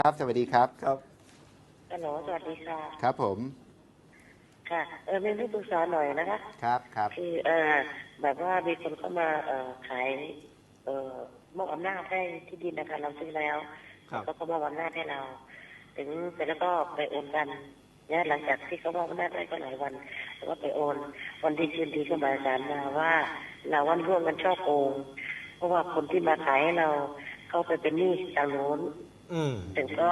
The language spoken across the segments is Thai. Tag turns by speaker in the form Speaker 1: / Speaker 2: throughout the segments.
Speaker 1: ครับสวัสดีครับ
Speaker 2: ครับ
Speaker 3: ฮัลโหลสวัสดีค่ะ
Speaker 1: ครับผม
Speaker 3: ค่ะมีที่ปรึกษาหน่อยนะคะ
Speaker 1: ครับ
Speaker 3: คือแบบว่ามีคนเข้ามาขายมอบอำนาจให้ที่ดินนะคะเราซื้อแล้ว
Speaker 2: ครับ
Speaker 3: แล้วก็มอบอำนาจให้เราถึงเสร็จแล้วก็ไปโอนกันเนี่ยหลังจากที่เขามอบอำนาจได้ก็หลายวันแล้วก็ไปโอนวันที่คืนดีก็หมายสารมาว่าเราวันร่วมกันช่อโกงเพราะว่าคนที่มาขายให้เราเขาไปเป็นหนี้ทางโน้นถึงก็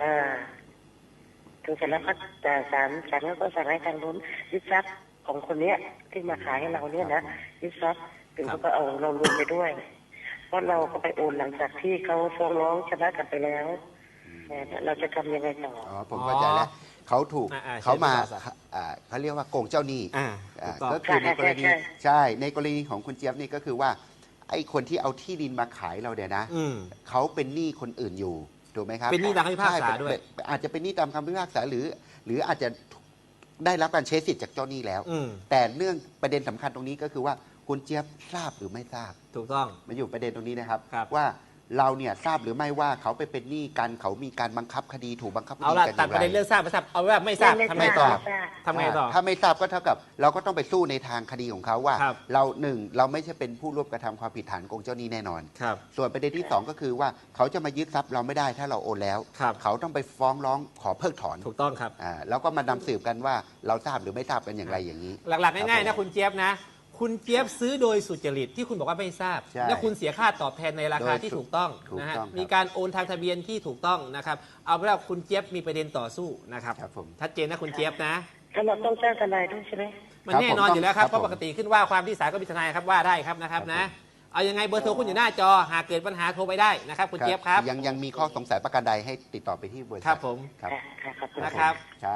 Speaker 3: ถึงเสร็จแล้วก็ศาลก็สั่งให้ทางนู้นยึดทรัพย์ของคนเนี้ยที่มาขายให้เราเนี่ยนะยึดทรัพย์ถึงเขาก็เอาเรารวมไปด้วยเพราะเราก็ไปโอนหลังจากที่เขาฟ้องร้องชนะกันไปแล้วเราจะทำยังไงต่อ
Speaker 1: อ๋อผมเข้าใจแล้วเขาถูกเขามาเขาเรียกว่าโกงเจ้าหนี้ก็คือในกรณีใช่ในกรณีของคุณเจี๊ยบนี่ก็คือว่าไอ้คนที่เอาที่ดินมาขายเราเนี่ยนะเขาเป็นหนี้คนอื่นอยู่ถูกไหมครับ
Speaker 2: เป็นหนี้ตามคำพิพากษาด้วย
Speaker 1: อาจจะเป็นหนี้ตามคำพิพากษาหรืออาจจะได้รับการใช้สิทธิ์จากเจ้าหนี้แล้วแต่เรื่องประเด็นสำคัญตรงนี้ก็คือว่าคุณเจี๊ยบทราบหรือไม่ทราบ
Speaker 2: ถูกต้อง
Speaker 1: มันอยู่ประเด็นตรงนี้นะครับ
Speaker 2: ครับ
Speaker 1: ว่าเราเนี่ยทราบหรือไม่ว่าเขาไปเป็นหนี้กันเขามีการบังคับคดีถูกบังคับคดี
Speaker 2: เอา
Speaker 1: กัน
Speaker 2: ละตัดประเด็นเรื่องทราบไม่ทราบเอาว่าไม่ทราบทำไงต่อทำไงต่อ
Speaker 1: ถ้าไม่ทราบก็เท่ากับเราก็ต้องไปสู้ในทางคดีของเขาว่า
Speaker 2: ครับ
Speaker 1: เราหนึ่งเราไม่ใช่เป็นผู้ร่วมกระทำความผิดฐานโกงเจ้าหนี้แน่นอน
Speaker 2: ครับ
Speaker 1: ส่วนประเด็นที่สองก็คือว่าเขาจะมายึดทรัพย์เราไม่ได้ถ้าเราโอนแล้ว
Speaker 2: ครับ
Speaker 1: เขาต้องไปฟ้องร้องขอเพิกถอน
Speaker 2: ถูกต้องครับ
Speaker 1: แล้วก็มานำสืบกันว่าเราทราบหรือไม่ทราบกันอย่างไรอย่างนี้
Speaker 2: หลักๆง่ายๆนะคุณเจี๊ยบนะคุณเจี๊ยบซื้อโดยสุจริตที่คุณบอกว่าไม่ทราบ
Speaker 1: ใช่
Speaker 2: และคุณเสียค่าตอบแทนในราคาที่ถูกต้อง
Speaker 1: ถูก
Speaker 2: นะฮะ
Speaker 1: ต้องครับ
Speaker 2: มีการโอนทางทะเบียนที่ถูกต้องนะครับเอาเป็นว่าคุณเจี๊ยบมีประเด็นต่อสู้นะครับ
Speaker 1: ครับผม
Speaker 2: ชัดเจนนะคุณเจี๊ยบนะ
Speaker 3: แล้วเราต้องจ้างทนายด้วยใช่ไหม
Speaker 2: มัน
Speaker 1: ครับ
Speaker 2: แน่นอน
Speaker 1: ผม
Speaker 2: อยู่แล้วครับ
Speaker 1: ครับ
Speaker 2: เพราะปกติขึ้นว่าความที่ศาลก็มีทนายครับว่าได้ครับนะครับ
Speaker 1: ครับ
Speaker 2: นะ
Speaker 1: ผม
Speaker 2: เอายังไงเบอร์โทรคุณอยู่หน้าจอหากเกิดปัญหาโทรไปได้นะครับคุณเจี๊ยบครับ
Speaker 1: ยังมีข้อสงสัยประการใดให้ติดต่อไปที่บริษัท
Speaker 2: ครับผม
Speaker 1: ครับ
Speaker 3: ค่ะขอบคุณ
Speaker 2: นะครับ
Speaker 1: ครับ